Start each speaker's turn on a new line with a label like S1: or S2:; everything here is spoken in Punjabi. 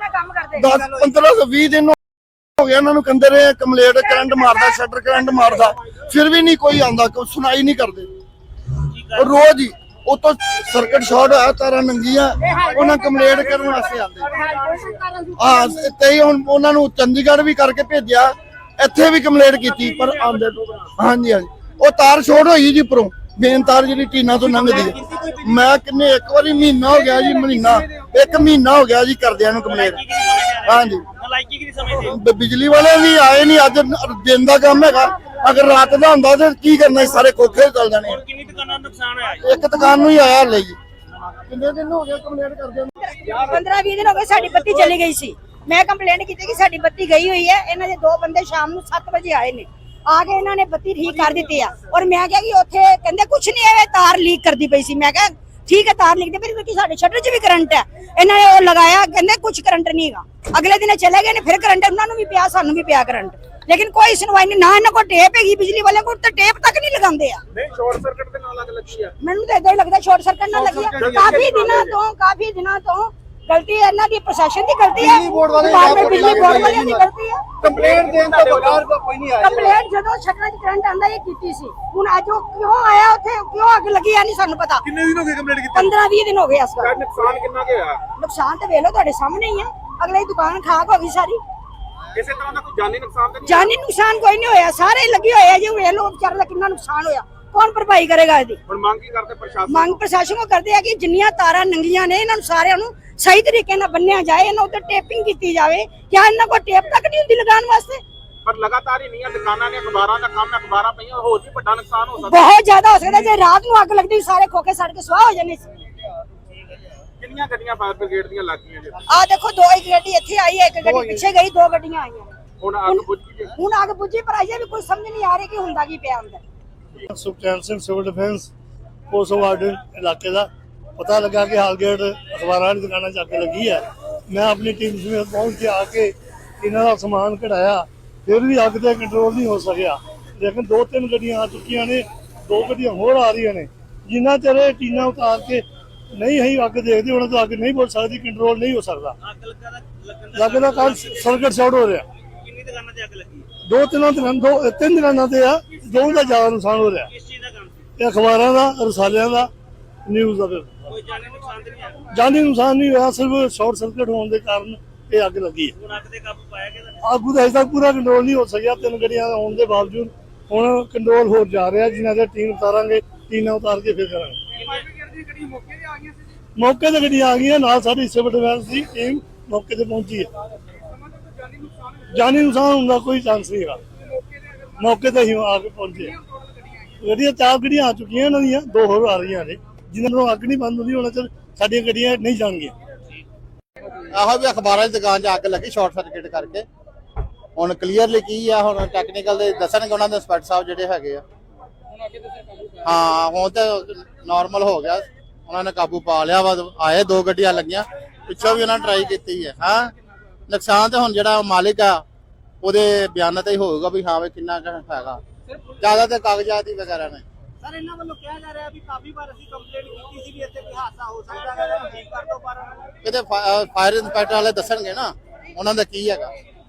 S1: 10 15 20 दिन हो गया इन्होंने कहते रहे कंप्लेंट करंट मारदा शटर करंट मारदा फिर भी नहीं कोई आंदा कोई सुनाई नहीं करते रोज ही उतो सर्किट शॉर्ट होया तारा नंगियां उन्हें कंप्लेंट करने वास्ते आंदे हां ते हुण उन्हां नूं चंडीगढ़ भी करके भेजिया ਇੱਥੇ भी कंप्लेंट की पर आंदे हाँ जी हाँ जी वो तार शॉर्ट हुई जी उपरों मेन तार जी टीना तो लंघदी है मैं किन्ने एक बारी महीना हो गया जी महीना एक महीना हो गया जी करदियां नूं कंप्लेंट हाँ जी बिजली वाले भी आए नहीं अज दिन का काम है अगर रात का होंदा तो की करना सारे खोखे चल जाने एक दुकान नूं ही आया हले जी कितने दिन हो गए कंप्लेंट करदे
S2: 15-20 दिन हो गए साडी बत्ती चली गई सी मैं कंप्लेंट की कि साडी बत्ती गई हुई है इन्हां दे दो बंदे शाम नूं 7 बजे आए ने आके इन्होंने बत्ती ठीक कर दी है और मैं क्या कि उत्थे कहंदे कुछ नहीं है तार लीक करदी पई सी मैं क्या ठीक है तार लीक दे पर क्योंकि साडे शटर च भी करंट है इन्होंने वो लगाया कहंदे कुछ करंट नहीं हैगा अगले दिन चले गए ने फिर करंट उन्हां नूं भी पिया सानू भी पिया करंट लेकिन कोई सुनवाई नहीं ना इन्हां को टेप हैगी बिजली वाले को तो टेप तक नहीं लगांदे आ
S3: नहीं शॉर्ट सर्किट दे नाल अग लगी है
S2: मैनू तो इदां ही लगदा शॉर्ट सर्किट ना लगी है काफी दिनों तो गलती है इन्हां दी प्रशासन दी गलती है बिजली बोर्ड वालियां दी गलती है
S3: कंप्लेंट देन तो बगैर कोई नहीं आया
S2: कंप्लेंट ਜਦੋਂ ਸ਼ਟਰਾਂ 'ਚ ਕਰੰਟ ਆਂਦਾ ਇਹ ਕੀਤੀ ਸੀ ਹੁਣ ਅੱਜ ਉਹ ਕਿਉਂ ਆਇਆ ਉੱਥੇ ਕਿਉਂ ਅੱਗ ਲੱਗੀ ਆ ਨਹੀਂ ਸਾਨੂੰ ਪਤਾ
S3: ਕਿੰਨੇ ਦਿਨ ਹੋ ਗਏ ਕੰਪਲੇਂਟ ਕੀਤੀ
S2: 15-20 ਦਿਨ ਹੋ ਗਏ ਇਸ ਵਾਰ
S3: ਨੁਕਸਾਨ ਕਿੰਨਾ ਕੁ ਹੋਇਆ
S2: ਨੁਕਸਾਨ ਤੇ ਵੇਖ ਲਓ ਤੁਹਾਡੇ ਸਾਹਮਣੇ ਹੀ ਆ ਅਗਲੇ ਦੀ ਦੁਕਾਨ ਖਾਕ ਹੋ ਗਈ ਸਾਰੀ
S3: ਕਿਸੇ ਤਰ੍ਹਾਂ ਦਾ ਕੋਈ ਜਾਨੀ ਨੁਕਸਾਨ ਤਾਂ ਨਹੀਂ
S2: ਜਾਨੀ ਨੁਕਸਾਨ ਕੋਈ ਨਹੀਂ ਹੋਇਆ ਸਾਰੇ ਲੱਗੇ ਹੋਏ ਆ ਜੇ ਵੇਖ ਲਓ ਵਿਚਾਰੇ ਦਾ ਕਿੰਨਾ ਨੁਕਸਾਨ ਹੋਇਆ ਕੌਣ ਭਰਪਾਈ ਕਰੇਗਾ ਇਹਦੀ
S3: ਹੁਣ ਮੰਗ ਕੀ ਕਰਦੇ ਪ੍ਰਸ਼ਾਸਨ
S2: ਮੰਗ ਪ੍ਰਸ਼ਾਸਨ ਕੋ ਕਰਦੇ ਆ ਕਿ ਜਿੰਨੀਆਂ ਤਾਰਾਂ ਨੰਗੀਆਂ ਨੇ ਇਹਨਾਂ ਨੂੰ ਸਾਰਿਆਂ ਨੂੰ ਸਹੀ ਤਰੀਕੇ ਨਾਲ ਬੰਨਿਆ ਜਾਏ ਇਹਨਾਂ ਉੱਤੇ ਟੇਪਿੰਗ ਕੀਤੀ ਜਾਵੇ ਕਿਆ ਇਹਨਾਂ ਕੋਲ ਟੇਪ ਤੱਕ ਨਹੀਂ ਹੁੰਦੀ ਲਗਾਉਣ ਵਾਸਤੇ
S3: ਪਰ ਲਗਾਤਾਰ ਹੀ ਨਹੀਂ ਆ ਦੁਕਾਨਾਂ ਨੇ ਅਖਬਾਰਾਂ ਦਾ ਕੰਮ ਅਖਬਾਰਾਂ ਪਈਆਂ ਹੋਰ ਵੀ ਵੱਡਾ ਨੁਕਸਾਨ ਹੋ ਸਕਦਾ
S2: ਬਹੁਤ ਜ਼ਿਆਦਾ ਹੋ ਸਕਦਾ ਜੇ ਰਾਤ ਨੂੰ ਅੱਗ ਲੱਗਦੀ ਸਾਰੇ ਖੋਕੇ ਸੜ ਕੇ ਸੁਆਹ ਹੋ ਜਾਣੇ ਸੀ
S3: ਕਿੰਨੀਆਂ ਗੱਡੀਆਂ ਫਾਇਰ ਬ੍ਰਿਗੇਡ ਦੀਆਂ ਲੱਗੀਆਂ ਜੀ
S2: ਆ ਦੇਖੋ ਦੋ ਇੱਕ ਗੱਡੀ ਇੱਥੇ ਆਈ ਹੈ ਇੱਕ ਗੱਡੀ ਪਿੱਛੇ ਗਈ ਦੋ ਗੱਡੀਆਂ ਆਈਆਂ
S3: ਹੁਣ ਅੱਗ ਬੁੱਝ ਗਈ
S2: ਹੁਣ ਅੱਗ ਬੁੱਝੀ ਪਰ ਅਜੇ ਵੀ ਕੋਈ ਸਮਝ ਨਹੀਂ ਆ ਰਹੀ ਕਿ ਹੁੰਦਾ ਕੀ ਪਿਆ ਅੰਦਰ
S4: Sukhchain Singh civil defence post ward ਇਲਾਕੇ ਦਾ ਪਤਾ ਲੱਗਾ ਕਿ ਹਾਲਗੇਟ ਅਖਬਾਰਾਂ ਦੀ ਦੁਕਾਨਾਂ 'ਚ ਅੱਗ ਲੱਗੀ ਹੈ ਮੈਂ ਆਪਣੀ ਟੀਮ ਸਮੇਤ ਪਹੁੰਚ ਕੇ ਆ ਕੇ ਇਹਨਾਂ ਦਾ ਸਮਾਨ ਕਢਾਇਆ ਫਿਰ ਵੀ ਅੱਗ ਤੇ ਕੰਟਰੋਲ ਨਹੀਂ ਹੋ ਸਕਿਆ ਲੇਕਿਨ 2-3 ਗੱਡੀਆਂ ਆ ਚੁੱਕੀਆਂ ਨੇ 2 ਗੱਡੀਆਂ ਹੋਰ ਆ ਰਹੀਆਂ ਨੇ ਜਿੰਨਾ ਚਿਰ ਇਹ ਟੀਨਾ ਉਤਾਰ ਕੇ ਨਹੀਂ ਅਸੀਂ ਅੱਗ ਦੇਖਦੇ ਉਹਨਾਂ ਤੋਂ ਅੱਗ ਨਹੀਂ ਬੁਝ ਸਕਦੀ ਕੰਟਰੋਲ ਨਹੀਂ ਹੋ ਸਕਦਾ ਅੱਗ ਦਾ ਕਾਰਨ ਸਰਕਟ ਸ਼ਾਰਟ ਹੋ ਰਿਹਾ
S3: ਕਿੰਨੀ ਦੁਕਾਨਾਂ ਤੇ ਅੱਗ ਲੱਗੀ
S4: 2-3 ਦਿਨਾਂ ਤੇ ਆ ਦੋ ਦਾ ਜ਼ਿਆਦਾ ਨੁਕਸਾਨ ਹੋ ਰਿਹਾ
S3: ਕਿਸ ਚੀਜ਼ ਦਾ ਕੰਮ
S4: ਇਹ ਅਖਬਾਰਾਂ ਦਾ ਰਸਾਲਿਆਂ ਦਾ ਨਿਊਜ਼ ਦਾ
S3: ਕੋਈ ਜਾਨੀ ਨੁਕਸਾਨ ਨਹੀਂ ਆਇਆ
S4: ਜਾਨੀ ਨੁਕਸਾਨ ਨਹੀਂ ਹੋਇਆ ਸਿਰਫ ਸ਼ਾਰਟ ਸਰਕਟ ਹੋਣ ਦੇ ਕਾਰਨ ਇਹ ਅੱਗ ਲੱਗੀ ਹੈ
S3: ਹੁਣ ਅੱਗ ਤੇ ਕਾਬੂ ਪਾਇਆ ਗਿਆ
S4: ਅੱਗ ਦਾ ਅਜੇ ਤੱਕ ਪੂਰਾ ਕੰਟਰੋਲ ਨਹੀਂ ਹੋ ਸਕਿਆ 3 ਗੱਡੀਆਂ ਹੋਣ ਦੇ ਬਾਵਜੂਦ ਹੁਣ ਕੰਟਰੋਲ ਹੋ ਜਾ ਰਿਹਾ ਜਿਨ੍ਹਾਂ ਦੇ ਟੀਮ ਉਤਾਰਾਂਗੇ ਟੀਨਾਂ ਉਤਾਰ ਕੇ ਫਿਰ ਕਰਾਂਗੇ ਮੌਕੇ ਤੇ ਗੱਡੀਆਂ ਆ ਗਈਆਂ ਨਾਲ ਸਾਡੀ ਸਿਵਲ ਡਿਫੈਂਸ ਦੀ ਟੀਮ ਮੌਕੇ ਤੇ ਪਹੁੰਚੀ ਹੈ ਜਾਨੀ ਨੁਕਸਾਨ ਹੁੰਦਾ ਕੋਈ ਚਾਂਸ ਨਹੀਂ ਹੈਗਾ ਮੌਕੇ ਤੇ ਹੀ ਆ ਕੇ ਪਹੁੰਚੇ ਗੱਡੀਆਂ 4 ਗੱਡੀਆਂ ਆ ਚੁੱਕੀਆਂ ਇਹਨਾਂ ਦੀਆਂ 2 ਹੋਰ ਆ ਰਹੀਆਂ ਨੇ ਜਿਨ੍ਹਾਂ ਨੂੰ ਅੱਗ ਨਹੀਂ ਬੰਦ ਹੁੰਦੀ ਉਹਨਾਂ ਚ ਸਾਡੀਆਂ ਗੱਡੀਆਂ ਨਹੀਂ ਜਾਣਗੀਆਂ
S5: ਆਹੋ ਵੀ ਅਖਬਾਰਾਂ ਦੀ ਦੁਕਾਨ 'ਚ ਅੱਗ ਲੱਗੀ ਸ਼ਾਰਟ ਸਰਕਟ ਕਰਕੇ ਹੁਣ ਕਲੀਅਰਲੀ ਕੀ ਆ ਹੁਣ ਟੈਕਨੀਕਲ ਦੇ ਦੱਸਣਗੇ ਉਹਨਾਂ ਦੇ ਇੰਸਪੈਕਟਰ ਸਾਹਿਬ ਜਿਹੜੇ ਹੈਗੇ ਆ ਹਾਂ ਹੁਣ ਤਾਂ ਨਾਰਮਲ ਹੋ ਗਿਆ ਉਹਨਾਂ ਨੇ ਕਾਬੂ ਪਾ ਲਿਆ ਵਾ ਆਏ 2 ਗੱਡੀਆਂ ਲੱਗੀਆਂ ਪਿੱਛੋਂ ਵੀ ਉਹਨਾਂ ਨੇ ਟਰਾਈ ਕੀਤੀ ਹੈ ਹਾਂ ਨੁਕਸਾਨ ਤੇ ਹੁਣ ਜਿਹੜਾ ਮਾਲਿਕ ਆ ਉਹਦੇ ਬਿਆਨਾਂ ਤੇ ਹੀ ਹੋਊਗਾ ਵੀ ਹਾਂ ਵੀ ਕਿੰਨਾ ਹੈਗਾ ਜ਼ਿਆਦਾ ਤੇ ਕਾਗਜ਼ਾਤ ਹੀ ਵਗੈਰਾ ਨੇ
S3: ਸਰ ਇਹਨਾਂ ਵੱਲੋਂ ਕਿਹਾ ਜਾ ਰਿਹਾ ਵੀ ਕਾਫੀ ਵਾਰ ਅਸੀਂ ਕੰਪਲੇਂਟ ਕੀਤੀ ਸੀ ਵੀ ਇੱਥੇ ਕੋਈ ਹਾਦਸਾ ਹੋ ਸਕਦਾ ਹੈ ਠੀਕ ਕਰ ਦੋ ਪਰ
S5: ਕਿਤੇ ਫਾਇਰ ਇੰਸਪੈਕਟਰ ਵਾਲੇ ਦੱਸਣਗੇ ਨਾ ਉਹਨਾਂ ਦਾ ਕੀ ਹੈਗਾ